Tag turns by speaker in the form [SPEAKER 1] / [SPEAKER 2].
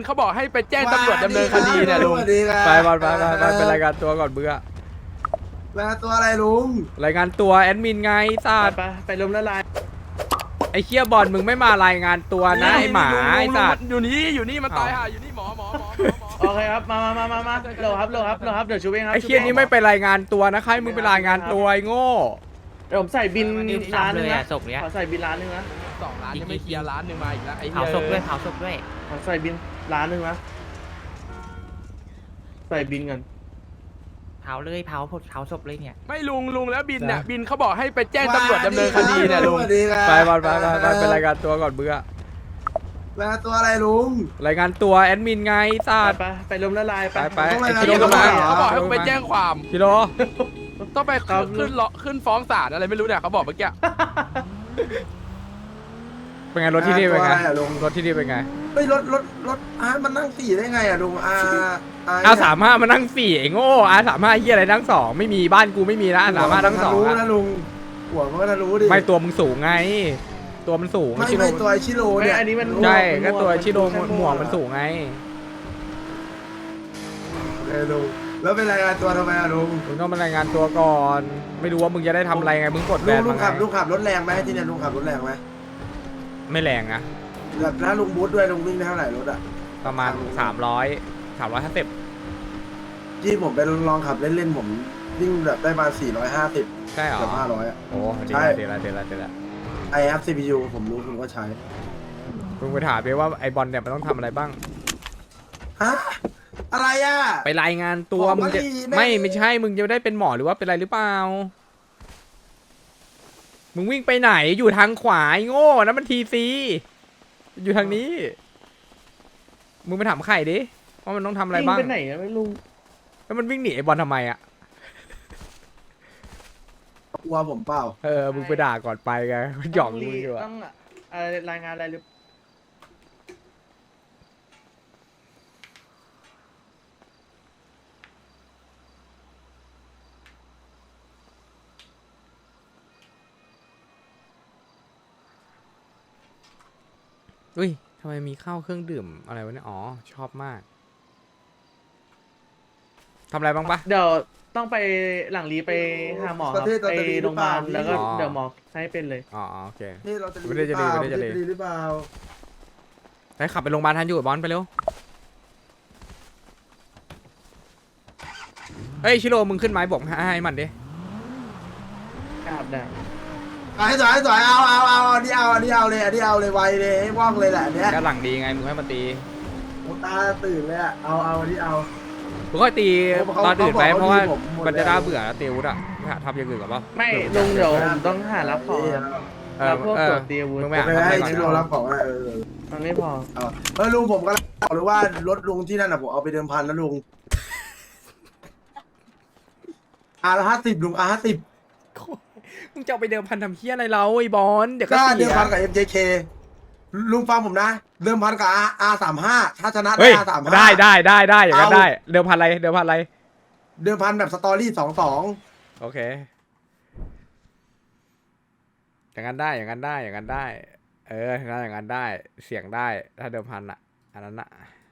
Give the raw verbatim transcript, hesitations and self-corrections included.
[SPEAKER 1] เขาบอกให้ไปแจ้งตำรวจดำเนินคดีเนี่ยลุง
[SPEAKER 2] ไปบอลไปไปไปไปรายงานตัวก่อนเบื่อ
[SPEAKER 3] รายงานตัวอะไรลุง
[SPEAKER 2] รายงานตัวแอดมินไงศาสตร์
[SPEAKER 4] ไปไปลมละลาย
[SPEAKER 2] ไอ้เคียบอลมึงไม่มารายงานตัวนะไอ้หมาไอ้ศาสตร์
[SPEAKER 1] อยู่นี่อยู่นี่มาตายห่าอยู่นี่หมอหมอหมอหมอ
[SPEAKER 4] โอเคครับมามามามามาโหลครับโหลครับโหลครับเดี๋ยวชูเองครับ
[SPEAKER 2] ไอ้เคียนี้ไม่ไปรายงานตัวนะใครมึงไปรายงานตัวไอ้โง่
[SPEAKER 4] เดี๋ยวผมใส่บินร้านนึงนะ
[SPEAKER 5] ศพเนี้ย
[SPEAKER 4] ขอใส่บินร้านนึงนะ
[SPEAKER 1] สองล้านยังไม่เคลียร์ล้านหนึ่งมาอีกแล้วไอ้
[SPEAKER 5] เผาศพด้วยเผาศพด้วย
[SPEAKER 4] ขอใส่บินร้านนึงนะใส่บินกัน
[SPEAKER 5] เผาเลยเผาเผาศพเลยเนี่ย
[SPEAKER 1] ไม่ลุงลุงแล้วบินเนี่ยบินเขาบอกให้ไปแจ้งตำรวจดำเนินคดีเนี่ยลุง
[SPEAKER 2] ไปบอลไปไปไปไปรายงานตัวก่อนเบื่อ
[SPEAKER 3] รายงานตัวอะไรลุง
[SPEAKER 2] รายงานตัวแอดมินไงศาสตร์
[SPEAKER 4] ไปไปลมละลายไป
[SPEAKER 2] ไปไอ้
[SPEAKER 1] คิ
[SPEAKER 2] คิ
[SPEAKER 1] โล
[SPEAKER 2] โล
[SPEAKER 1] ก็
[SPEAKER 2] ก็
[SPEAKER 1] มา
[SPEAKER 2] มา
[SPEAKER 1] เขาบอกให้ไปแจ้งความ
[SPEAKER 2] คิโล
[SPEAKER 1] ต้องไปขึ้นเลาะขึ้นฟ้องศาลอะไรไม่รู้เนี่ยเขาบอกเมื่อกี้
[SPEAKER 2] เป็นไงรถที่นี่เป็นไงรถที่นี่เป็นไง
[SPEAKER 3] เฮ้ยรถรถรถอาร์มันนั่งสี่ได้ไงอะลุงอา
[SPEAKER 2] อาสามห้ามานั่งสี่ไอ้โง่อาสามห้าเฮียอะไรนั่งสองไม่มีบ้านกูไม่มีนะอาสามห้านั่งสอง
[SPEAKER 3] รู้นะลุงหัวมันก็รู้ดิ
[SPEAKER 2] ไม่ตัวมึงสูงไงตัวมันสูง
[SPEAKER 3] ไม่ไม่ตัวชิโร่เนี่ย
[SPEAKER 4] อันนี้มัน
[SPEAKER 2] ใช่ก็ตัวชิโร่หมวกมันสูงไง
[SPEAKER 3] เออลุงแล้วเป็นรายงานตัวทำไมอะลุง
[SPEAKER 2] มึงต้องมารายงานตัวก่อนไม่รู้ว่ามึงจะได้ทำอะไรไงมึงกดแบน
[SPEAKER 3] ลุ
[SPEAKER 2] มาง ไง
[SPEAKER 3] ขับลุงขับรถแรงไหมที่เนี่ยลุงขับรถแรงไหม
[SPEAKER 2] ไม่แรงนะ
[SPEAKER 3] แบบถ้าลุงบูทด้วยลุงวิ่งได้เท่าไหร่รถอะ
[SPEAKER 2] ประมาณสามร้อยสามร้อยห้าสิบ
[SPEAKER 3] ที่ผมไปลองขับเล่นๆผมวิ่งแบบได้มาสี่ร้อยห้าสิบ
[SPEAKER 2] ใช่เหรอ
[SPEAKER 3] เกือบห้าร้อยอะ
[SPEAKER 2] โอ้ดีละดีละดีละดีละ
[SPEAKER 3] ไอแอปซีพียูผมรู้ผมก็ใช้
[SPEAKER 2] มึงไปถามไปว่าไอบอลเนี่ยมันต้องทำอะไรบ้าง
[SPEAKER 3] ฮะอะไรอ่ะ
[SPEAKER 2] ไปรายงานตัวมึงจะไม่ไม่ใช่มึงจะได้เป็นหมอหรือว่าเป็นอะไรหรือเปล่ามึงวิ่งไปไหนอยู่ทางขวาไอ้โง่นะมันทีซีอยู่ทางนี้มึงไปถามไข่ดิว่ามันต้องทำอะไรบ้าง
[SPEAKER 4] ไปไหนอะไม่รู้
[SPEAKER 2] แล้วมันวิ่งหนีไอบอลทำไมอ่ะ
[SPEAKER 3] กลัวผมเปล่า
[SPEAKER 2] เออมึงไปด่าก่อนไปไงหยอกมึงดีกว่า
[SPEAKER 4] ต้องอะไรรายงานอะไรหรือ
[SPEAKER 2] อุ้ยทำไมมีข้าวเครื่องดื่มอะไรวะเนี่ยอ๋อชอบมากทำอะไรบ้างปะ
[SPEAKER 4] เดี๋ยวต้องไปหลังรีไปหาหมอครับไปโรงพยาบาลแล้วก็เดี๋ยวหมอให้เป็นเลย
[SPEAKER 2] อ๋อโอเค
[SPEAKER 3] นี่เราจะรีหรือเปล่าไม่ได้รีหรือเปล่า
[SPEAKER 2] ไปขับไปโรงพยาบาลทันอยู่บอลไปเร็วเฮ้ยชิโร่มึงขึ้นไม้บอกให้มันดิ
[SPEAKER 4] ครับได้
[SPEAKER 3] ไอ้สายสายเอาเอาเอาอันนี้เอาอันนี้เอาเลยอันนี้เอาเลยไวเลยว่องเลยแหละเนี้ย
[SPEAKER 2] ก็หลังดีไงมึงให้มันตี
[SPEAKER 3] ตาตื่นเลยอ่ะเอาเอาอันนี้เอา
[SPEAKER 2] มึงก็ตีตอนตื่นไปเพราะว่ามันจะน่าเบื่อแล้วตีวุฒิอ่ะหาทำอย่างอื่นกับป่ะ
[SPEAKER 4] ไม่ลุงเดี๋ยวผมต้องหารับของรับพวกตัวตีวุฒิ
[SPEAKER 2] มึงไม่
[SPEAKER 3] ให้ชิโร่รับของเออ
[SPEAKER 4] มันไม่พอ
[SPEAKER 3] เออลุงผมก็บอกเลยว่ารถลุงที่นั่นอ่ะผมเอาไปเดิมพันแล้วลุงอาร์ห้าสิบลุงอาร์ห้าสิบ
[SPEAKER 2] มึงจะไปเดิมพันทำเฮี้ยอะไรเราไอ้บอลเดี๋ยวก็
[SPEAKER 3] เดิมพันกับ เอ็ม เจ เค ลุงฟังผมนะเดิมพันกับ อาร์ สามสิบห้า ถ้าชนะได้ อาร์ สามสิบห้า
[SPEAKER 2] ได้ได้ได้ได้อย่างนั้นได้เดิมพันอะไรเดิมพันอะไร
[SPEAKER 3] เดิมพันแบบสตอรี่สองสอง
[SPEAKER 2] โอเคอย่างนั้นได้อย่างนั้นได้อย่างนั้นได้เอออย่างนั้นได้เสียงได้ถ้าเดิมพันอ่ะอันนั้นอ่ะ